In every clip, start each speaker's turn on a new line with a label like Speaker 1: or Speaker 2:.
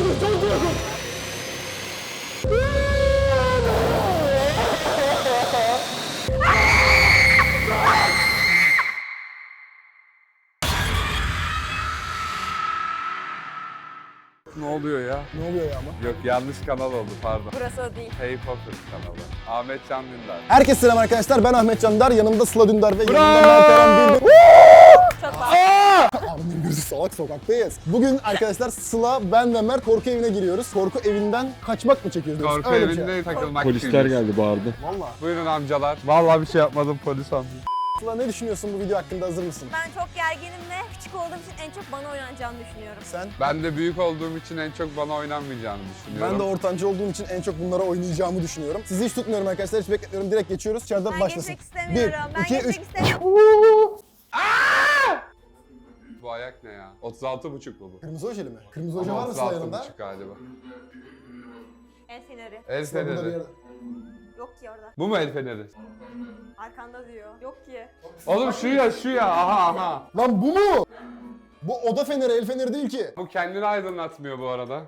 Speaker 1: Çok korkunç.
Speaker 2: Ne oluyor ya?
Speaker 1: Ne oluyor ya ama?
Speaker 2: Yok, yanlış kanal oldu, pardon.
Speaker 3: Burası o değil.
Speaker 2: Harry Potter kanalı. Ahmet Can Dündar.
Speaker 1: Herkese selam arkadaşlar. Ben Ahmet Can Dündar. Yanımda Sıla Dündar ve yanımda Mert Eren Bilgin.
Speaker 3: Çok var.
Speaker 1: Abimin gözü salak, sokaktayız. Bugün arkadaşlar Sıla, ben ve Mert korku evine giriyoruz. Korku evinden kaçmak mı çekiyoruz?
Speaker 2: Korku
Speaker 1: Öyle bir şey.
Speaker 2: evinde takılmak
Speaker 4: Polisler
Speaker 2: için.
Speaker 4: geldi, bağırdı.
Speaker 1: Valla.
Speaker 2: Buyurun amcalar. Vallahi bir şey yapmadım, polis amca.
Speaker 1: Sıla, ne düşünüyorsun bu video hakkında, hazır mısın?
Speaker 3: Ben çok gerginim ve küçük olduğum için en çok bana oynanacağını düşünüyorum.
Speaker 1: Sen?
Speaker 2: Ben de büyük olduğum için en çok bana oynanmayacağını düşünüyorum.
Speaker 1: Ben de ortancı olduğum için en çok bunlara oynayacağımı düşünüyorum. Sizi hiç tutmuyorum arkadaşlar, hiç bekletmiyorum. Direkt geçiyoruz. İçeride
Speaker 3: Ben
Speaker 1: başlasın.
Speaker 3: geçmek istemiyorum. Ben
Speaker 1: 1, 2, 3.
Speaker 3: geçmek istemiyorum.
Speaker 2: Bu ayak ne ya? 36,5 bu.
Speaker 1: Kırmızı ojeli mi? Kırmızı oje var mı Sıla yanında?
Speaker 2: 36,5 galiba.
Speaker 3: El feneri.
Speaker 2: El
Speaker 1: Sıla burada bir
Speaker 2: feneri.
Speaker 1: yerde.
Speaker 3: Yok ki orada.
Speaker 2: Bu mu el feneri?
Speaker 3: Arkanda diyor. Yok ki.
Speaker 2: Oğlum şu ya, şu ya. Aha.
Speaker 1: Lan bu mu? Bu oda feneri, el feneri değil ki.
Speaker 2: Bu kendini aydınlatmıyor bu arada.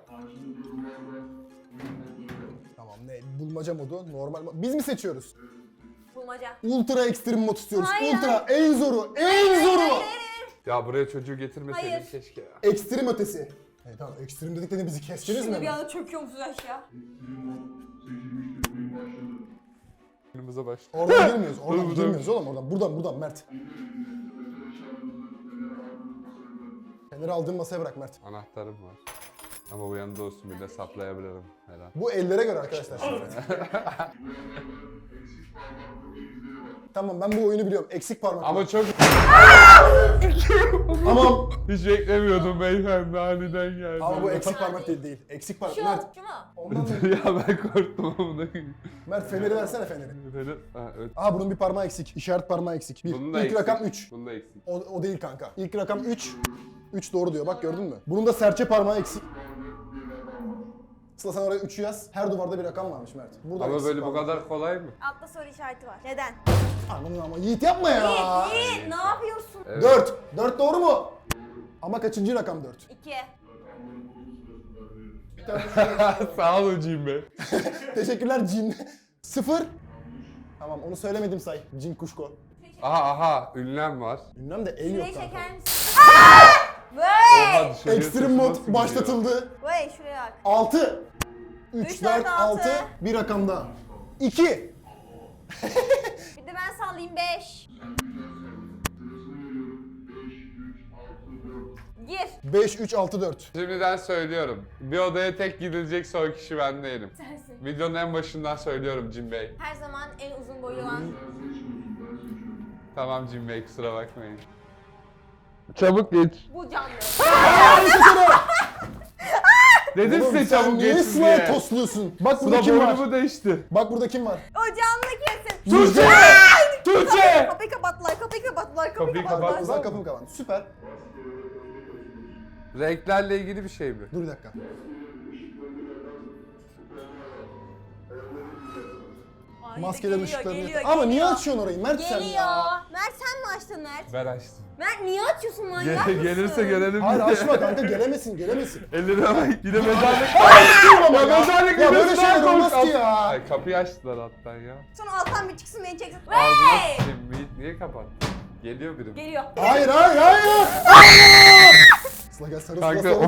Speaker 1: Tamam, ne? Bulmaca modu, normal mod. Biz mi seçiyoruz?
Speaker 3: Bulmaca.
Speaker 1: Ultra ekstrem mod istiyoruz.
Speaker 3: Hayır.
Speaker 1: Ultra, en zoru, en zoru.
Speaker 2: Ya buraya çocuğu getirmeseydin
Speaker 3: Hayır.
Speaker 2: keşke ya.
Speaker 1: Ekstrem ötesi. Hey, tamam, ekstrem dedik de bizi keseceğiz mi?
Speaker 3: Şimdi bir anda çöküyor musunuz aşağı?
Speaker 2: Önümüze başla.
Speaker 1: Oradan girmiyoruz, oradan
Speaker 2: Dur, dur.
Speaker 1: girmiyoruz oğlum, oradan. Buradan Mert. Feneri aldığın masaya bırak Mert.
Speaker 2: Anahtarım var. Ama bu yanında olsun, bir de saplayabilirim herhalde.
Speaker 1: Bu ellere göre arkadaşlar şimdi. Tamam, ben bu oyunu biliyorum. Eksik parmak.
Speaker 2: Ama çok...
Speaker 1: Tamam.
Speaker 2: Hiç beklemiyordum beyefendi, aniden geldi.
Speaker 1: Ama bu eksik parmak değil. Eksik parmak.
Speaker 3: Şu
Speaker 1: Mert.
Speaker 3: mu? Şu mu?
Speaker 1: Ondan da...
Speaker 2: Ya ben korktum ama
Speaker 1: Mert, feneri versene, feneri.
Speaker 2: Evet.
Speaker 1: Aha, bunun bir parmağı eksik. İşaret parmağı eksik.
Speaker 2: Bunun da
Speaker 1: İlk
Speaker 2: eksik.
Speaker 1: rakam 3.
Speaker 2: Bunun da eksik.
Speaker 1: O değil kanka. İlk rakam 3. 3 doğru diyor. Bak, gördün mü? Bunun da serçe parmağı eksik. Sıla, sen oraya 3'ü yaz. Her duvarda bir rakam varmış Mert. Burada
Speaker 2: Ama
Speaker 1: eksik
Speaker 2: böyle bu
Speaker 1: parmak.
Speaker 2: kadar kolay mı?
Speaker 3: Altta soru işareti var. Neden?
Speaker 1: Anladın ama Yiğit, yapma ya.
Speaker 3: Yiğit, ne yapıyorsun?
Speaker 2: Evet.
Speaker 1: 4. 4 doğru mu? Ama kaçıncı rakam 4?
Speaker 3: 2.
Speaker 1: Bir tane
Speaker 2: Sağ ol hocam be.
Speaker 1: Teşekkürler Cin. 0. Tamam, onu söylemedim say. Cin Kuşko.
Speaker 2: Aha, ünlem var.
Speaker 1: Ünlem de el yok
Speaker 3: Şurayı
Speaker 1: kanka.
Speaker 3: çeker misin? Aaa!
Speaker 2: Oha,
Speaker 3: Vay!
Speaker 2: dışarıya
Speaker 1: Ekstrem
Speaker 2: sesi
Speaker 1: mod
Speaker 2: nasıl gidiyor?
Speaker 1: başlatıldı.
Speaker 3: Vay şuraya bak.
Speaker 1: 6. 3,
Speaker 3: 3,
Speaker 1: 4,
Speaker 3: 4,
Speaker 1: 6.
Speaker 3: 6.
Speaker 1: Bir rakamda. 2.
Speaker 3: Bir de ben sallayayım 5. Gir.
Speaker 1: 5, 3, 6, 4.
Speaker 2: Şimdiden söylüyorum. Bir odaya tek gidilecek son kişi ben değilim.
Speaker 3: Sensin.
Speaker 2: Videonun en başından söylüyorum Cim Bey.
Speaker 3: Her zaman en uzun boylu olan.
Speaker 2: Tamam Cim Bey, kusura bakmayın. Çabuk geç.
Speaker 3: Bu canlı.
Speaker 2: Dedim
Speaker 1: Oğlum,
Speaker 2: size
Speaker 1: sen
Speaker 2: çabuk
Speaker 1: niye
Speaker 2: geçin
Speaker 1: Sıla'ya
Speaker 2: diye.
Speaker 1: tosluyorsun? Bak
Speaker 2: Bu
Speaker 1: burada
Speaker 2: da
Speaker 1: kim var?
Speaker 2: boynumu değişti.
Speaker 1: Bak burada kim var?
Speaker 3: O canlı kesin.
Speaker 2: Tuğçe! Tuğçe!
Speaker 3: Kapıyı kapattılar, kapıyı kapattılar,
Speaker 2: Kapıyı
Speaker 3: kapıyı kapattılar.
Speaker 2: kapat.
Speaker 1: Uzak kapım kalan. Süper.
Speaker 2: Renklerle ilgili bir şey mi?
Speaker 1: Dur bir dakika.
Speaker 3: Ay,
Speaker 1: Maskelerin
Speaker 3: geliyor,
Speaker 1: ışıklarını
Speaker 3: geliyor,
Speaker 1: yakın. Ama niye
Speaker 3: geliyor.
Speaker 1: açıyorsun orayı Mert sen
Speaker 3: Geliyor.
Speaker 1: ya?
Speaker 3: Mert sen mi açtın Mert?
Speaker 2: Ben açtım.
Speaker 3: Mert niye açıyorsun manyak mısın?
Speaker 2: Gelirse gelelim
Speaker 1: Hayır,
Speaker 2: diye.
Speaker 1: açma kanka, gelemesin.
Speaker 2: Ellerine bak, yine mezarlık.
Speaker 1: Ya
Speaker 2: mezarlık
Speaker 1: ya böyle
Speaker 2: videosundan
Speaker 1: şeyler olmaz
Speaker 2: kork-
Speaker 1: ki ya.
Speaker 2: Ay, kapıyı açtılar alttan ya.
Speaker 3: Sonra alttan bir çıksın beni çeksin.
Speaker 2: Ağzına
Speaker 3: Hey!
Speaker 2: s**eyim, niye kapattın? Geliyor biri.
Speaker 3: Geliyor.
Speaker 1: Hayır. Hayır. Sıla gel, sarıl,
Speaker 2: Kanka,
Speaker 1: sarıl.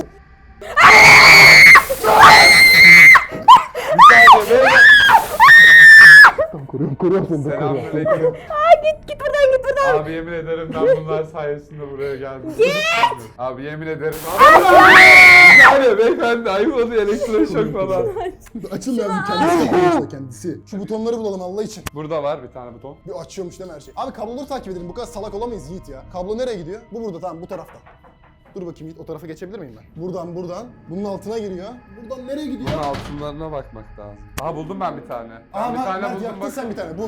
Speaker 1: Koruyorum seni.
Speaker 2: Selamünaleyküm.
Speaker 3: Git buradan git buradan.
Speaker 2: Abi yemin ederim ben bunlar sayesinde buraya geldim. Abi yemin ederim. Abi beyefendi ayıp oluyor, elektroşok falan.
Speaker 1: Açıl lazım, kendisi kapıyor işte, kendisi. Şu butonları bulalım Allah için.
Speaker 2: Burada var bir tane buton.
Speaker 1: Bir açıyormuş değil mi her şey? Abi kabloları takip edelim, bu kadar salak olamayız Yiğit ya. Kablo nereye gidiyor? Bu burada, tamam, bu tarafta. Dur bakayım Yiğit, o tarafa geçebilir miyim ben? Buradan. Bunun altına giriyor. Buradan nereye gidiyor?
Speaker 2: Bunun altınlarına bakmak lazım. Aha buldum ben bir tane.
Speaker 1: Aa,
Speaker 2: Ben bir tane
Speaker 1: Mert
Speaker 2: buldum
Speaker 1: yaptın
Speaker 2: bak.
Speaker 1: sen bir tane, bu.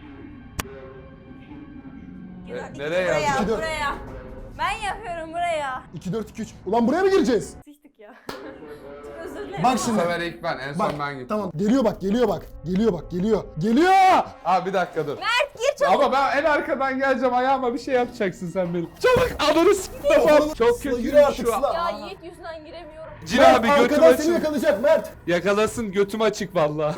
Speaker 2: Nereye
Speaker 3: Buraya,
Speaker 2: yazdın?
Speaker 1: 2, 4.
Speaker 3: buraya. Ben yapıyorum buraya.
Speaker 1: 2, 4, 2, 3. Ulan buraya mı gireceğiz?
Speaker 3: Sıçtık ya. Çok özür dilerim.
Speaker 1: Bak
Speaker 2: Bu
Speaker 1: şimdi.
Speaker 2: sefer ilk ben, en son
Speaker 1: Bak,
Speaker 2: ben gittim.
Speaker 1: tamam. Geliyor bak. Geliyor!
Speaker 2: Aa bir dakika dur.
Speaker 3: Mert gir çabuk.
Speaker 2: Ama ben en arkadan geleceğim, ayağıma bir şey yapacaksın sen benim. Çabuk ananı s***. Çok
Speaker 1: Sıla,
Speaker 2: kötü
Speaker 1: yürü artık
Speaker 2: şu an.
Speaker 1: Sıla.
Speaker 3: Ya Yiğit yüzünden giremiyorum.
Speaker 2: Cin
Speaker 1: Mert,
Speaker 2: abi götüm
Speaker 1: arkadan seni
Speaker 2: açık.
Speaker 1: yakalayacak Mert.
Speaker 2: Yakalasın, götüm açık valla.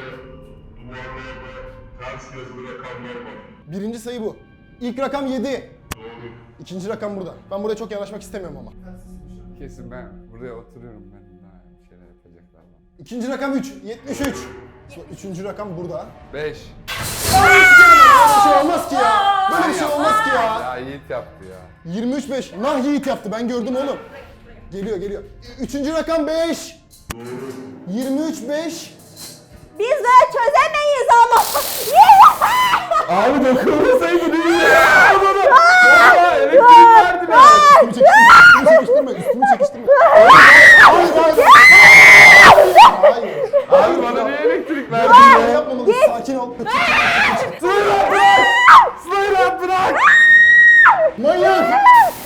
Speaker 1: Birinci sayı bu. İlk rakam 7. İkinci rakam burada. Ben buraya çok yanaşmak istemiyorum ama.
Speaker 2: Kesin ben buraya oturuyorum, ben daha bir şeyler yapacaklar bana.
Speaker 1: İkinci rakam 3. 73. Üçüncü rakam burada.
Speaker 2: 5.
Speaker 1: Böyle bir şey olmaz ki ya. Böyle bir şey olmaz ki ya.
Speaker 2: Ya Yiğit yaptı ya.
Speaker 1: 23-5. Nah Yiğit yaptı. Ben gördüm oğlum. Geliyor geliyor. Üçüncü rakam 5. 23-5.
Speaker 3: Biz böyle çözemeyiz ama.
Speaker 2: Abi dokunmasaydın iyi ya. Valla elektrik verdi be.
Speaker 1: Üstümü çekiştirme. Hayır hayır. Hayır.
Speaker 2: Abi bana niye elektrik verdin
Speaker 1: Böyle
Speaker 2: ya?
Speaker 1: yapmamalısın. Sakin ol.
Speaker 2: Sıyla bırak. Sıyla bırak.
Speaker 1: Manyak.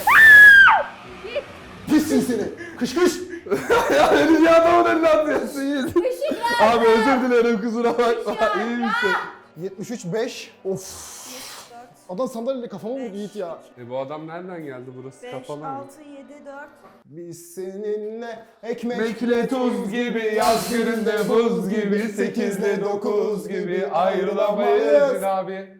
Speaker 1: Pissin seni. Kış kış.
Speaker 2: Ya beni adamın eline atıyorsun Yiğit. Abi özür dilerim, kusura bakma. İyi misin?
Speaker 1: 73-5. Of. Adam sandalyeyle kafama vurdu Yiğit ya.
Speaker 2: Bu adam nereden geldi, burası
Speaker 3: 5,
Speaker 2: kapalı mı?
Speaker 3: 6, 7, 4.
Speaker 1: Biz seninle ekmek
Speaker 2: Mekle tuz gibi, yaz gününde buz gibi, 8'de 9 gibi ayrılamayız abi.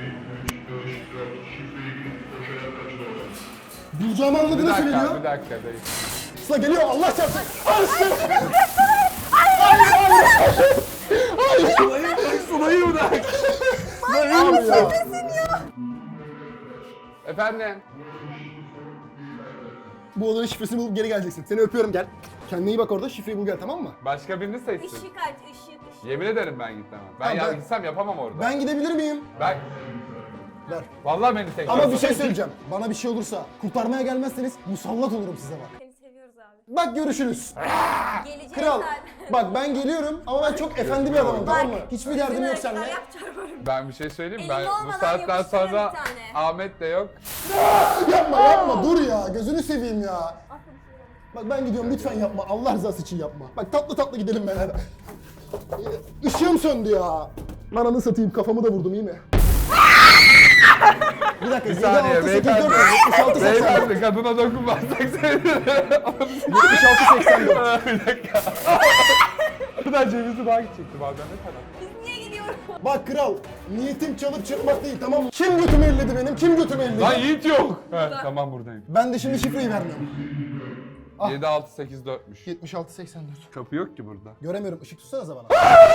Speaker 1: bulacağımı anladığını söylüyor.
Speaker 2: Bir dakika dayı.
Speaker 1: Sıla geliyor Allah çarpsın.
Speaker 2: Sıla'yı bırak.
Speaker 1: Abi ya.
Speaker 2: Efendim?
Speaker 1: Bu odanın şifresini bulup geri geleceksin. Seni öpüyorum gel. Kendine iyi bak orada şifreyi bul gel tamam mı?
Speaker 2: Başka birini seçsin.
Speaker 3: Işık aç, ışık.
Speaker 2: Yemin ederim ben gitmem.
Speaker 1: Tamam, ben-
Speaker 2: Gitsem yapamam orada.
Speaker 1: Ben gidebilir miyim?
Speaker 2: Ben...
Speaker 1: Ver.
Speaker 2: Vallahi beni tek
Speaker 1: Ama bir şey söyleyeceğim. Bana bir şey olursa kurtarmaya gelmezseniz musallat olurum size bak.
Speaker 3: Seni seviyoruz abi.
Speaker 1: Bak görüşürüz.
Speaker 3: Geleceğiz
Speaker 1: Kral.
Speaker 3: zaten.
Speaker 1: Bak ben geliyorum ama ben çok efendi bir adamım tamam mı? Hiçbir derdim yok
Speaker 3: Bizim
Speaker 1: seninle.
Speaker 3: erkekler yapacağım.
Speaker 2: Ben bir şey söyleyeyim mi? Ben
Speaker 3: Elimde
Speaker 2: bu
Speaker 3: olmadan
Speaker 2: saatten
Speaker 3: yapıştırırım
Speaker 2: sonra
Speaker 3: bir tane.
Speaker 2: Ahmet de yok.
Speaker 1: Yapma yapma dur ya gözünü seveyim ya. Bak ben gidiyorum lütfen yapma Allah rızası için yapma. Bak tatlı tatlı gidelim beraber. Işığım söndü ya. Ananı satayım kafamı da vurdum iyi mi? Bir dakika.
Speaker 2: Bir saniye
Speaker 1: 76
Speaker 2: beyefendi.
Speaker 1: 84.
Speaker 2: Beyefendi kadına dokunmazsak sevinirim.
Speaker 1: 76 84.
Speaker 2: Bir dakika. Buradan cevizi daha gidecektim abi, ne kadar?
Speaker 3: Biz niye gidiyoruz?
Speaker 1: Bak kral niyetim çalıp çırpmak değil tamam mı? Kim götümü elledi benim? Kim götümü elledi?
Speaker 2: Lan Yiğit yok. He, tamam buradayım.
Speaker 1: Ben de şimdi şifreyi vermiyorum. Ah.
Speaker 2: 7 6 8 4'müş.
Speaker 1: 76 84.
Speaker 2: Kapı yok ki burada.
Speaker 1: Göremiyorum. Işık tutsanıza bana.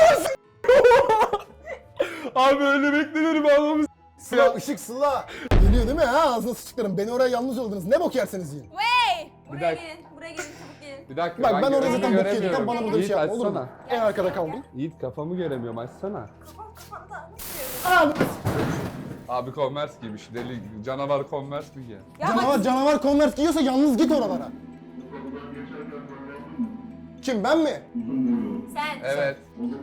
Speaker 2: Abi öyle beklenir mi anlamı
Speaker 1: Sıla ışık Sıla. Geliyor değil mi ha? Ağzına sıçtıklarım. Beni oraya yalnız yolladınız. Ne bok yerseniz yiyin.
Speaker 3: Wey! Buraya
Speaker 2: dakika.
Speaker 3: gelin, buraya gelin, çabuk gelin.
Speaker 2: Bir dakika
Speaker 1: Bak ben orada
Speaker 2: gözümü
Speaker 1: zaten bok yedim.
Speaker 2: göremiyorum.
Speaker 1: Bana burada bir
Speaker 2: Yiğit,
Speaker 1: şey yapma olur mu?
Speaker 2: açsana.
Speaker 1: En arkada kaldım.
Speaker 2: Yiğit kafamı göremiyorum, açsana.
Speaker 3: Kafam kafanda. Nasıl görüyorsun?
Speaker 1: Abi.
Speaker 2: Abi Converse giymiş, deli canavar Converse mi giyer?
Speaker 3: Ya bak,
Speaker 1: Canavar Converse giyiyorsa yalnız git oralara. Kim ben mi?
Speaker 3: sen.
Speaker 2: Evet.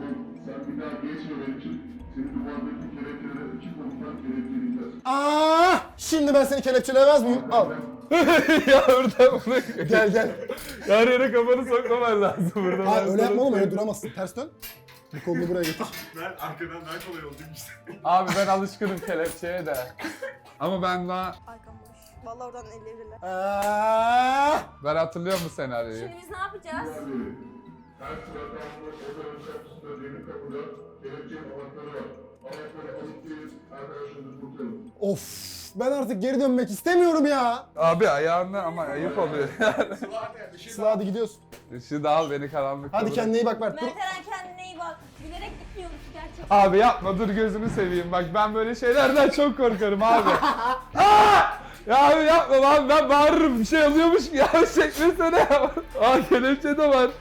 Speaker 1: Şimdi ben seni kelepçeleyemez miyim? Al.
Speaker 2: Ya orada bunu...
Speaker 1: Gel gel.
Speaker 2: Her yere kafanı sokmaman lazım burada.
Speaker 1: Hayır
Speaker 2: Ben
Speaker 1: öyle
Speaker 2: sana
Speaker 1: yapma oğlum öyle
Speaker 2: söyleyeyim.
Speaker 1: duramazsın. Ters dön. Bu kolunu buraya getir.
Speaker 4: Ben arkadan daha kolay oldu işte.
Speaker 2: Abi ben alışkınım kelepçeye de. Ama ben daha...
Speaker 3: Arkam boş. Vallahi oradan elleyebilirler.
Speaker 2: Ben hatırlıyor musun senaryoyu?
Speaker 3: Şimdi biz ne yapacağız?
Speaker 4: Her sırada odanın kapısında demir kapıda kelepçenin anahtarı var. Anahtarı alıp gelin arkadaşınızı kurtarın.
Speaker 1: Of ben artık geri dönmek istemiyorum ya.
Speaker 2: Abi ayağında ama ayıp oluyor yani.
Speaker 1: Sıla hadi gidiyoruz.
Speaker 2: Işığı da al beni karanlıkta
Speaker 1: Hadi
Speaker 2: bırak.
Speaker 1: kendine iyi bak Mert. Dur.
Speaker 3: Mert Eren kendine iyi bak. Bilerek gitmiyormuş gerçekten.
Speaker 2: Abi yapma, dur gözünü seveyim, bak ben böyle şeylerden çok korkarım abi. Aa! Ya abi yapma lan, ben bağırırım, bir şey oluyormuş ki ya, çekmesene ya. Aa kelepçe de var.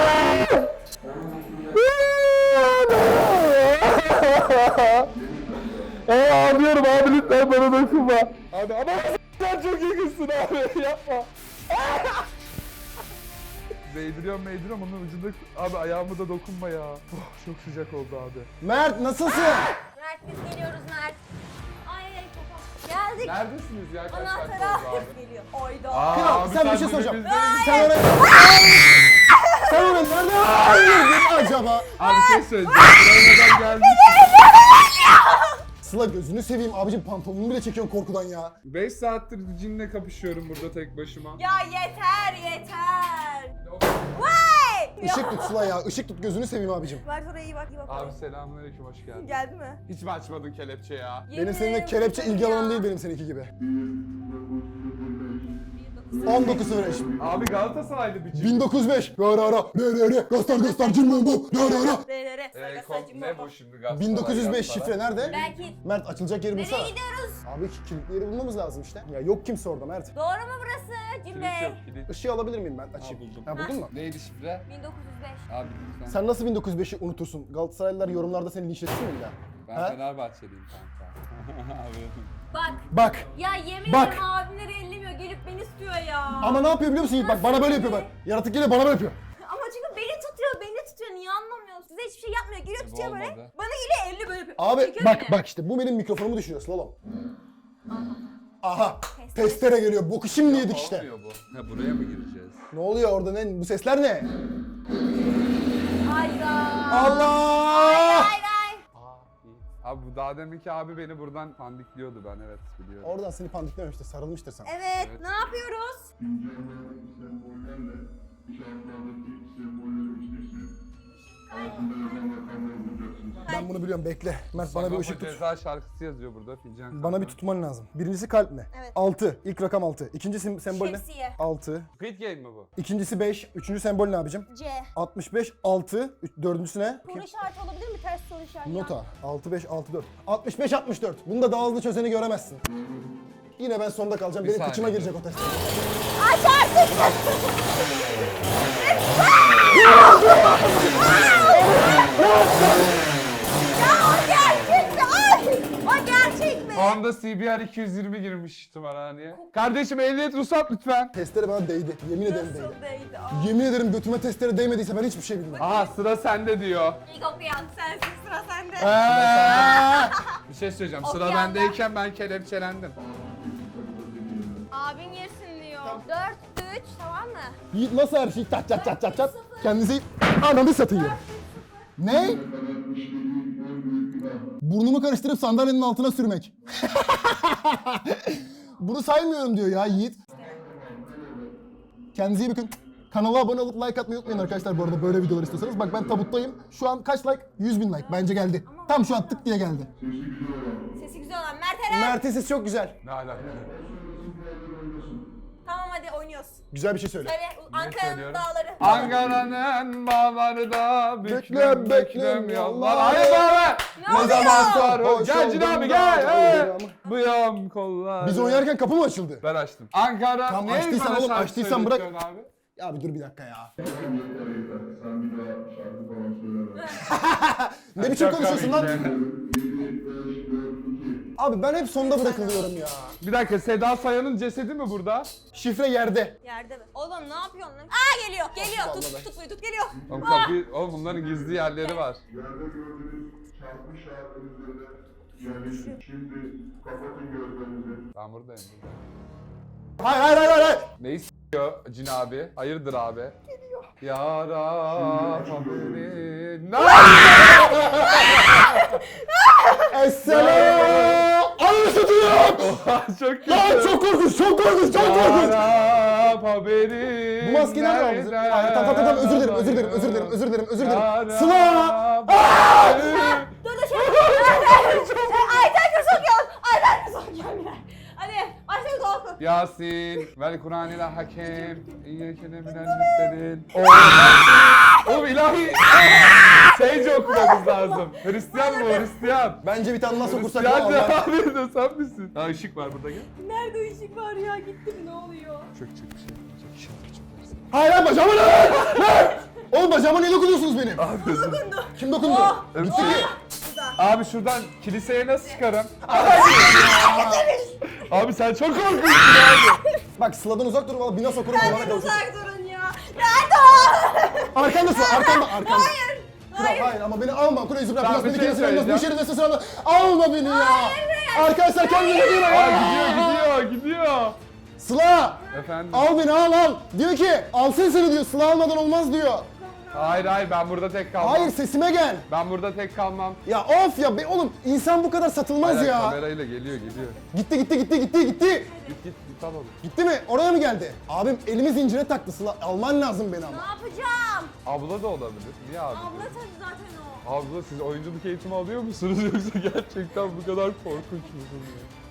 Speaker 2: Ağlıyorum abi, lütfen bana dokunma. Abi ama sen çok yakınsın abi, yapma. Değdiriyorum onun ucunda, abi ayağıma da dokunma ya. Oh, çok sıcak oldu abi.
Speaker 1: Mert nasılsın?
Speaker 3: Mert biz geliyoruz Mert. Ay ay kafam. Geldik.
Speaker 2: Neredesiniz ya, kaç
Speaker 3: Anahtarı
Speaker 2: dakika oldu abi?
Speaker 3: alıp geliyor. Oyda.
Speaker 1: Kral,
Speaker 2: abi
Speaker 1: sen bir şey
Speaker 2: bunu
Speaker 1: soracağım.
Speaker 2: bizden-
Speaker 1: Sen oraya... Sen oraya nereden girdin acaba?
Speaker 2: Abi şey söyleyeceğim. Buraya neden geldin?
Speaker 1: Sıla gözünü seveyim abicim, pantolonumu bile çekiyorsun korkudan ya.
Speaker 2: 5 saattir cinle kapışıyorum burada tek başıma.
Speaker 3: Ya yeter. Vay!
Speaker 1: Işık tut Sıla ya, ışık tut, gözünü seveyim abicim.
Speaker 3: Bak oraya iyi bak, iyi bak.
Speaker 2: Abi selamünaleyküm, hoş geldin.
Speaker 3: Geldi mi?
Speaker 2: Hiç mi açmadın kelepçe ya?
Speaker 1: Benim seninle kelepçe ilgi alanım değil, benim seninki gibi. 19.05.
Speaker 2: Abi Galatasaraylı bir çift.
Speaker 1: 1905. Ra ra ra. Re re re. Göster cimbo bu. Ra ra ra.
Speaker 2: Ne bu şimdi Galatasaray?
Speaker 1: 1905 şifre nerede?
Speaker 3: Belki.
Speaker 1: Mert açılacak yeri bulsana.
Speaker 3: Nereye gidiyoruz?
Speaker 1: Abi kilitli yeri bulmamız lazım işte. Ya yok kimse orada Mert.
Speaker 3: Doğru mu burası Cim
Speaker 2: Kilit
Speaker 3: Bey?
Speaker 2: yok, kilit.
Speaker 1: Işığı alabilir miyim ben? Açayım.
Speaker 2: buldum.
Speaker 1: Ha buldun mu?
Speaker 2: Neydi şifre?
Speaker 3: 1905.
Speaker 2: Abi lütfen.
Speaker 1: Sen nasıl 1905'i unutursun? Galatasaraylılar yorumlarda seni linçlesin mi bir daha?
Speaker 2: Ben
Speaker 1: Ha?
Speaker 2: Fenerbahçeliyim kanka. Abi.
Speaker 3: Bak.
Speaker 1: Bak.
Speaker 3: Ya yemin
Speaker 1: Bak.
Speaker 3: ederim abimleri ellemiyor. Gelip beni istiyor ya.
Speaker 1: Ama ne yapıyor biliyor musun Yiğit? Bak bana böyle yapıyor bak. Yaratık geliyor bana böyle yapıyor.
Speaker 3: Ama çünkü beni tutuyor. Niye anlamıyorsun? Size hiçbir şey yapmıyor. Geliyor tutuyor
Speaker 2: olmadı.
Speaker 3: böyle. Bana geliyor elli böyle yapıyor.
Speaker 1: Abi
Speaker 3: Çekiyor
Speaker 1: bak
Speaker 3: beni.
Speaker 1: bak işte bu benim mikrofonumu düşürüyor slalom. Aha. Testere geliyor. Boku şimdi yedik işte.
Speaker 2: Olmuyor bu. Ha buraya mı gireceğiz?
Speaker 1: Ne oluyor orada ne? Bu sesler ne?
Speaker 3: Hayda.
Speaker 1: Allah!
Speaker 3: Hayır.
Speaker 2: Abi bu daha deminki abi beni buradan pandikliyordu, ben evet biliyorum.
Speaker 1: Oradan seni pandiklememiştir, sarılmıştır sana.
Speaker 3: Evet. Ne yapıyoruz?
Speaker 4: İncelenen sembollerle kağıtlardaki sembolleri içleştirip altında yazan rakamları bulacaksınız.
Speaker 1: Ben bunu biliyorum, bekle. Mert bana bir ışık tut.
Speaker 2: Ceza şarkısı yazıyor burada fincan.
Speaker 1: Bana bir tutman lazım. Birincisi kalp ne?
Speaker 3: Evet.
Speaker 1: 6. İlk rakam 6. İkinci sembol ne?
Speaker 3: Şemsiye.
Speaker 1: 6.
Speaker 2: Squid Game mi bu?
Speaker 1: İkincisi 5. Üçüncü sembol ne abicim?
Speaker 3: C.
Speaker 1: 65, 6. Dördüncüsü ne?
Speaker 3: Soru işareti olabilir mi? Ters soru işareti.
Speaker 1: Nota. 6, 5, 6, 4. 65, 64. Bunu da daha hızlı çözeni göremezsin. Yine ben sonda kalacağım. Benim
Speaker 2: saniye.
Speaker 1: kıçıma girecek o test.
Speaker 3: Aç artık. Ya o gerçek mi? Ay! O gerçek mi?
Speaker 2: Anda CBR 220 girmiş tımarhaneye. Kardeşim ehliyet ruhsat lütfen.
Speaker 1: Testere bana değdi. Yemin ederim değdi.
Speaker 3: Nasıl değdi? Aa.
Speaker 1: Yemin ederim götüme testere değmediyse ben hiçbir şey bilmem.
Speaker 2: Aha sıra sende diyor.
Speaker 3: İlk okuyan sensin, sıra sende.
Speaker 2: Bir şey söyleyeceğim.
Speaker 3: Of
Speaker 2: Sıra
Speaker 3: ya.
Speaker 2: bendeyken ben kelepçelendim.
Speaker 3: Abin yersin diyor. 4, 3 tamam mı?
Speaker 1: Yiğit nasıl her şey çat çat çat çat çat. Kendisi ananı satıyor. Ne? Burnumu karıştırıp sandalyenin altına sürmek. Bunu saymıyorum diyor ya Yiğit. Kendinize iyi bakın. Kanala abone olup like atmayı unutmayın arkadaşlar bu arada böyle videolar istiyorsanız. Bak ben tabuttayım. Şu an kaç like? 100.000 like. Bence geldi. Tam şu an tık diye geldi.
Speaker 3: Sesi güzel olan Mert Eren.
Speaker 1: Mert'in sesi çok güzel.
Speaker 2: Ne alaka?
Speaker 3: Tamam hadi oynuyoruz.
Speaker 1: Güzel bir şey söyle.
Speaker 3: Söyle Ankara'nın
Speaker 2: söylüyorum?
Speaker 3: dağları.
Speaker 2: Ankara'nın bağları da büklüm büklüm yollar.
Speaker 1: yollar.
Speaker 2: Hayır bağlar.
Speaker 3: Ne oluyor?
Speaker 2: Sarhoş. Gel Cin abi gel. Hey. Bıyam kollar.
Speaker 1: Biz oynarken kapı mı açıldı?
Speaker 2: Ben açtım. Ankara.
Speaker 1: Tamam,
Speaker 2: Niye
Speaker 1: açtıysan
Speaker 2: bana
Speaker 1: oğlum,
Speaker 2: şarkı
Speaker 1: açtıysan bırak.
Speaker 2: söyletiyorsun Abi?
Speaker 1: Ya bir dur bir dakika ya.
Speaker 4: Yeter. Sen bir daha şarkı falan söyleme.
Speaker 1: Ne biçim
Speaker 2: Çok
Speaker 1: konuşuyorsun
Speaker 2: komik
Speaker 1: lan?
Speaker 2: ya.
Speaker 4: 7, 5, 4, 2.
Speaker 1: Abi ben hep sonda bırakılıyorum ya.
Speaker 2: Bir dakika, Seda Sayan'ın cesedi mi burada?
Speaker 1: Şifre yerde.
Speaker 3: Yerde mi? Oğlum ne yapıyorsun lan? Aa geliyor. Geliyor.
Speaker 1: vallahi.
Speaker 3: Tut tut geliyor.
Speaker 2: Oğlum kapıyı, oğlum bunların gizli yerleri var.
Speaker 4: Yerde gördüğünüz çarpmış şarkının üzerine yerleşin. Şimdi kapatın gözlerinizi.
Speaker 2: Ben buradayım.
Speaker 1: Hayır.
Speaker 2: Neyi s***yor Cin abi? Hayırdır abi? Geliyor. Yara haberi. Ne?
Speaker 1: Esselam. Ananı satayım.
Speaker 2: Çok kötü.
Speaker 1: Lan çok korkunç, çok korkunç, çok korkunç.
Speaker 2: Yara haberi.
Speaker 1: Bu maskeyi nereden aldınız? Hayır, tamam, özür dilerim. Sıla!
Speaker 3: Dur dur şey. Ayten Kırsokyol. Ayten Kırsokyol. Hadi başlayalım oku.
Speaker 2: Yasin vel Kur'an ile hakem. İyyekene minel müstedin. Oğlum ilahi. Seyce okumamız lazım. Hristiyan bu, Hristiyan.
Speaker 1: Bence bir tane nasıl okursak ya
Speaker 2: Hristiyan
Speaker 1: Allah.
Speaker 2: abi de sen misin? Ha ışık var burada gel.
Speaker 3: Nerede ışık var ya? Gitti mi? Ne oluyor?
Speaker 2: Çok bir şey.
Speaker 1: Hayır bacağıma ne? Lan! Oğlum bacağıma niye dokunuyorsunuz benim?
Speaker 3: Dokundu.
Speaker 1: Kim dokundu?
Speaker 2: Öptü.
Speaker 1: Gitti ki.
Speaker 2: Abi şuradan kiliseye nasıl çıkarım? Abi sen çok korkunçsun abi.
Speaker 1: Bak Sıla'dan uzak dur valla bina sokurum Allah'ına
Speaker 3: Benden
Speaker 1: kavuşursun.
Speaker 3: uzak durun ya. Nerede o?
Speaker 1: Arkanda Sıla, arkanda.
Speaker 3: Hayır.
Speaker 1: Kral, hayır ama beni alma. Kureyüzü bırak.
Speaker 2: Tamam,
Speaker 1: Biraz beni
Speaker 2: bir şey
Speaker 1: kendisine almaz. Bu
Speaker 2: söyleyeceğim.
Speaker 1: işe de sırada. Alma beni ya. Arkadaşlar kendinize iyi bakın.
Speaker 2: Gidiyor.
Speaker 1: Sıla.
Speaker 2: Efendim.
Speaker 1: Al beni al. Diyor ki alsın seni diyor. Sıla almadan olmaz diyor.
Speaker 2: Hayır ben burada tek kalmam.
Speaker 1: Hayır sesime gel.
Speaker 2: Ben burada tek kalmam.
Speaker 1: Ya of ya be oğlum insan bu kadar satılmaz
Speaker 2: Hayır,
Speaker 1: ya.
Speaker 2: kamerayla geliyor.
Speaker 1: Gitti.
Speaker 2: Git alalım.
Speaker 1: Gitti mi? Oraya mı geldi? Abim elimi zincire taktı Sıla. Alman lazım beni
Speaker 3: Ne
Speaker 1: ama.
Speaker 3: yapacağım?
Speaker 2: Abla da olabilir. Niye abi?
Speaker 3: Abla tabii zaten o.
Speaker 2: Abla siz oyunculuk eğitimi alıyor musunuz yoksa gerçekten bu kadar korkunç musunuz?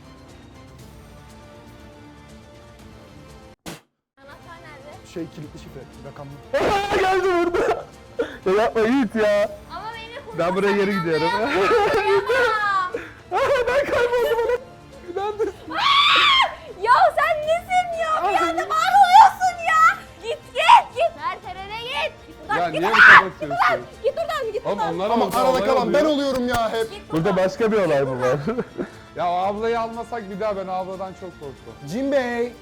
Speaker 3: Anahtar nerede?
Speaker 1: Şey kilitli şifre, rakamlı.
Speaker 2: Geldi burada. Ya yapma Yiğit ya.
Speaker 3: Ama beni kurtarsan
Speaker 2: Ben buraya geri gidiyorum.
Speaker 3: inanamam.
Speaker 2: Ben kayboldum. İnandım.
Speaker 3: Ya sen nesin ya? Bir anda var oluyorsun ya. Git. Mert Eren'e git. Git buradan.
Speaker 2: Ya
Speaker 3: git.
Speaker 2: niye bu kadar sürüyorsun?
Speaker 3: Git buradan git
Speaker 2: Oğlum
Speaker 3: buradan.
Speaker 2: onlar
Speaker 1: Ama
Speaker 2: olsa
Speaker 1: arada
Speaker 2: olay
Speaker 1: kalan ben
Speaker 2: oluyor.
Speaker 1: oluyorum ya hep.
Speaker 3: Git
Speaker 2: Burada
Speaker 3: buradan.
Speaker 2: başka bir olay mı var? Ya o ablayı almasak bir daha ben o abladan çok korktum.
Speaker 1: Jim Bey.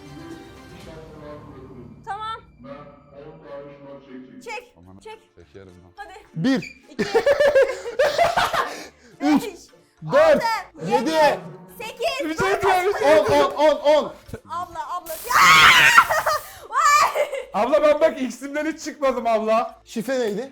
Speaker 3: Tamam.
Speaker 4: Ben 10 tane şınav çekeceğim.
Speaker 3: Çek.
Speaker 2: Aman
Speaker 3: Çek.
Speaker 2: Çekerim lan.
Speaker 3: Hadi.
Speaker 1: 1,
Speaker 3: 2
Speaker 1: 3,
Speaker 3: 5
Speaker 1: 4,
Speaker 3: 7
Speaker 1: 7,
Speaker 3: 8
Speaker 2: Bir şey diyeceğim.
Speaker 1: 10.
Speaker 3: Abla. Ya! Vay!
Speaker 2: Abla ben bak X'imden hiç çıkmadım abla.
Speaker 1: Şifre neydi?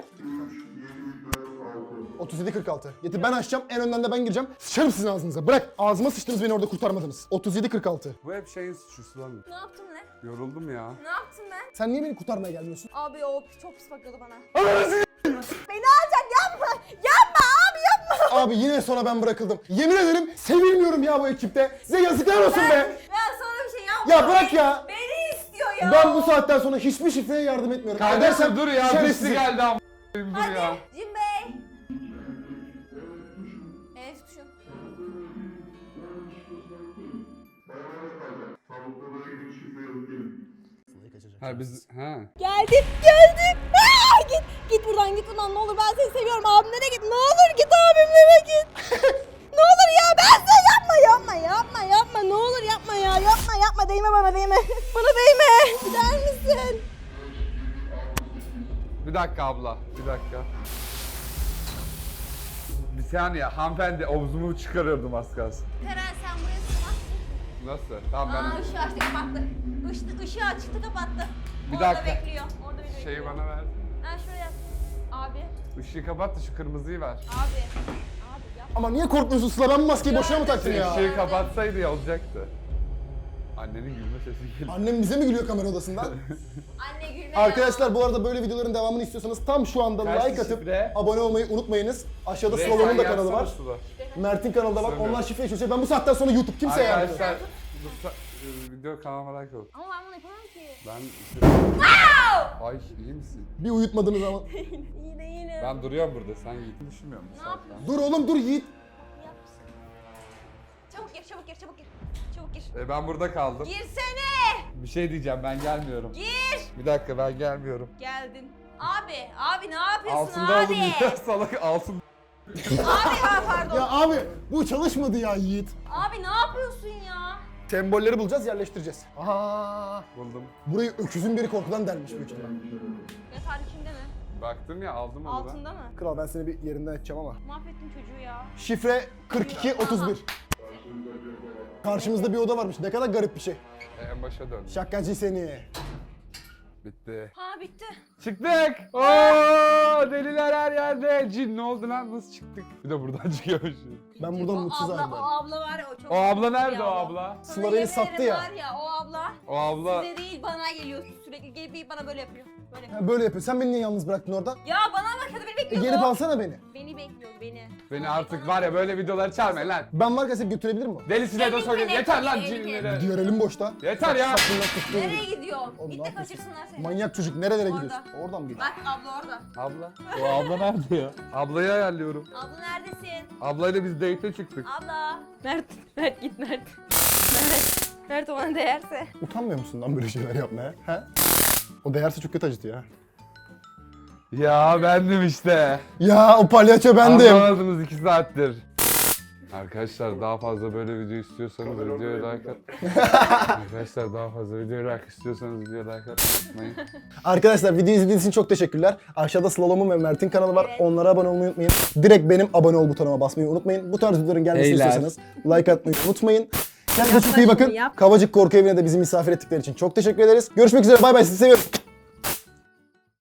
Speaker 1: 3746. Getir ben açacağım. En önden de ben gireceğim. Sıçarım sizin ağzınıza. Bırak. Ağzıma sıçtınız beni orada kurtarmadınız. 3746.
Speaker 2: Bu hep şeyin suçlusu lan.
Speaker 3: Ne yaptın lan?
Speaker 2: Yoruldum ya.
Speaker 3: Ne yaptın ben?
Speaker 1: Sen niye beni kurtarmaya gelmiyorsun?
Speaker 3: Abi o çok pis bakıyordu bana. Beni alacak yapma. Yapma abi yapma.
Speaker 1: Abi yine sonra ben bırakıldım. Yemin ederim sevilmiyorum ya bu ekipte. Size yazıklar olsun be.
Speaker 3: Ben sana bir şey yapma.
Speaker 1: Ya bırak ya.
Speaker 3: Beni istiyor ya.
Speaker 1: Ben bu saatten sonra hiçbir şifreye yardım etmiyorum.
Speaker 2: Kardeşim
Speaker 1: Edersem
Speaker 2: dur ya.
Speaker 1: şerefsizim.
Speaker 2: Birisi geldi ama. Dur
Speaker 3: Hadi
Speaker 2: ya.
Speaker 3: Jim Bey. Evet tuşu.
Speaker 4: Tavuklara ilgili şifre yazıp gelin.
Speaker 2: Ha biz
Speaker 3: Geldim. Git buradan ne olur ben seni seviyorum abimlere git ne olur git abimlere git. Ne olur ya ben seni yapma ne olur yapma değme bana değme. Bana değme gider misin?
Speaker 2: Bir dakika abla. Bir dakika. Bir saniye hanımefendi omzumu çıkarıyordum az kalsın.
Speaker 3: Eren sen buraya sığmazsın.
Speaker 2: Nasıl? Tamam ben
Speaker 3: Işığı açtı kapattı. Işığı açtı kapattı.
Speaker 2: Bir
Speaker 3: Orada
Speaker 2: dakika.
Speaker 3: bekliyor. Orada bir
Speaker 2: şeyi
Speaker 3: bekliyor.
Speaker 2: bana ver.
Speaker 3: Ha şuraya. Abi.
Speaker 2: Işığı kapat da şu kırmızıyı ver.
Speaker 3: Abi yap.
Speaker 1: Ama niye korkmuyorsun Sıla? Ben bu maskeyi boşuna mı taktın ya?
Speaker 2: Işığı kapatsaydı ya olacaktı. Annenin gülme sesi geliyor.
Speaker 1: Annem bize mi gülüyor kamera odasında?
Speaker 3: Anne gülme
Speaker 1: Arkadaşlar bu arada böyle videoların devamını istiyorsanız tam şu anda
Speaker 2: Kaç
Speaker 1: like atıp
Speaker 2: şifre?
Speaker 1: abone olmayı unutmayınız. Aşağıda
Speaker 2: Resmen
Speaker 1: Sıla'nın da kanalı var.
Speaker 2: yazsana Sıla.
Speaker 1: Mert'in kanalı da var.
Speaker 2: Söyle.
Speaker 1: Onlar şifreyi çözecek. Ben bu saatten sonra YouTube kimseye yardım etmem.
Speaker 2: Arkadaşlar video kanalıma like olun.
Speaker 3: Ama ben bunu yapamam ki.
Speaker 2: Ben Ay iyi misin?
Speaker 1: Bir uyutmadığınız zaman.
Speaker 3: İyi değilim.
Speaker 2: Ben duruyorum burada. Sen Yiğit'i düşünmüyor musun?
Speaker 3: Ne yapıyorsun?
Speaker 1: Dur oğlum dur Yiğit.
Speaker 3: Çabuk gir. Çabuk gir.
Speaker 2: Ben burada kaldım.
Speaker 3: Girsene.
Speaker 2: Bir şey diyeceğim ben gelmiyorum.
Speaker 3: Gir.
Speaker 2: Bir dakika ben gelmiyorum.
Speaker 3: Geldin. Abi ne yapıyorsun
Speaker 2: Altında
Speaker 3: abi?
Speaker 2: oldum ya salak altın.
Speaker 3: Abi ya pardon.
Speaker 1: Ya abi bu çalışmadı ya Yiğit.
Speaker 3: Abi ne yapıyorsun ya?
Speaker 1: Sembolleri bulacağız, yerleştireceğiz. Aha.
Speaker 2: Buldum.
Speaker 1: Burayı öküzün biri korkudan delmiş büyük ihtimal.
Speaker 3: Yatar içinde mi?
Speaker 2: Baktım ya aldım onu da.
Speaker 3: Altında mı?
Speaker 1: Kral ben seni bir yerinden edeceğim ama.
Speaker 3: Mahvettin çocuğu ya.
Speaker 1: Şifre 4231. Karşımızda bir oda varmış. Ne kadar garip bir şey.
Speaker 2: En başa dön.
Speaker 1: Şakacı seni.
Speaker 2: Bitti.
Speaker 3: Ha bitti.
Speaker 2: Çıktık. Oo deliler her yerde. Cin ne oldu lan nasıl çıktık? Bir de buradan çıkıyormuşuz.
Speaker 1: Ben buradan mutsuz
Speaker 3: O
Speaker 1: ayrıldım.
Speaker 3: abla var ya o çok...
Speaker 2: O abla nerede
Speaker 3: bir
Speaker 2: o abla?
Speaker 3: Sana
Speaker 1: Sıla beni
Speaker 3: yemin
Speaker 1: sattı
Speaker 3: ederim
Speaker 1: ya.
Speaker 3: Var ya o abla.
Speaker 2: O abla
Speaker 3: Size değil bana geliyor sürekli gelip bana böyle yapıyor. Böyle.
Speaker 1: Ha, böyle yapıyor. Sen beni niye yalnız bıraktın orada?
Speaker 3: Ya bana bakıyordu beni bekliyordu.
Speaker 1: Gelip alsana beni.
Speaker 3: Beni bekliyordu beni.
Speaker 2: beni artık var ya böyle videoları çağırmayın lan.
Speaker 1: Ben varken seni götürebilir mi?
Speaker 2: Delisine de
Speaker 3: Emin
Speaker 2: söyleyeyim.
Speaker 3: bile
Speaker 2: Yeter lan
Speaker 3: tabii,
Speaker 2: cinlere.
Speaker 1: Gidiyor elim boşta.
Speaker 2: Yeter ya.
Speaker 1: Saçından tuttuğum
Speaker 3: Nereye
Speaker 1: gibi.
Speaker 3: gidiyorsun?
Speaker 1: Oğlum,
Speaker 3: Git
Speaker 1: ne
Speaker 3: de
Speaker 1: yapıyorsun?
Speaker 3: kaçırsınlar seni.
Speaker 1: Manyak çocuk nerelere
Speaker 3: Orada.
Speaker 1: gidiyorsun? Oradan mı gidiyorsun?
Speaker 3: Bak abla orada.
Speaker 2: Abla. O abla nerede ya? Ablayı ayarlıyorum.
Speaker 3: Abla neredesin?
Speaker 2: Ablayla biz date'e çıktık.
Speaker 3: Abla. Mert git Mert. Mert o bana değerse.
Speaker 1: Utanmıyor musun lan böyle şeyler yapmaya? He? O değerse çok kötü acıtıyor ha.
Speaker 2: Ya bendim işte.
Speaker 1: Ya o palyaço bendim.
Speaker 2: Anlamadınız 2 saattir. Arkadaşlar daha fazla böyle video istiyorsanız videoya like at. Arkadaşlar daha fazla video like istiyorsanız videoya like atmayın.
Speaker 1: Arkadaşlar video izlediğiniz için çok teşekkürler. Aşağıda Slalom'un ve Mert'in kanalı var.
Speaker 3: Evet.
Speaker 1: Onlara abone olmayı unutmayın. Direkt benim abone ol butonuma basmayı unutmayın. Bu tarz videoların gelmesini
Speaker 2: Beyler.
Speaker 1: istiyorsanız like atmayı unutmayın. Kendinize çok iyi bakın.
Speaker 3: Yap.
Speaker 1: Kavacık Korku Evi'ne de bizi misafir ettikleri için çok teşekkür ederiz. Görüşmek üzere. Bay bay. Sizi seviyorum.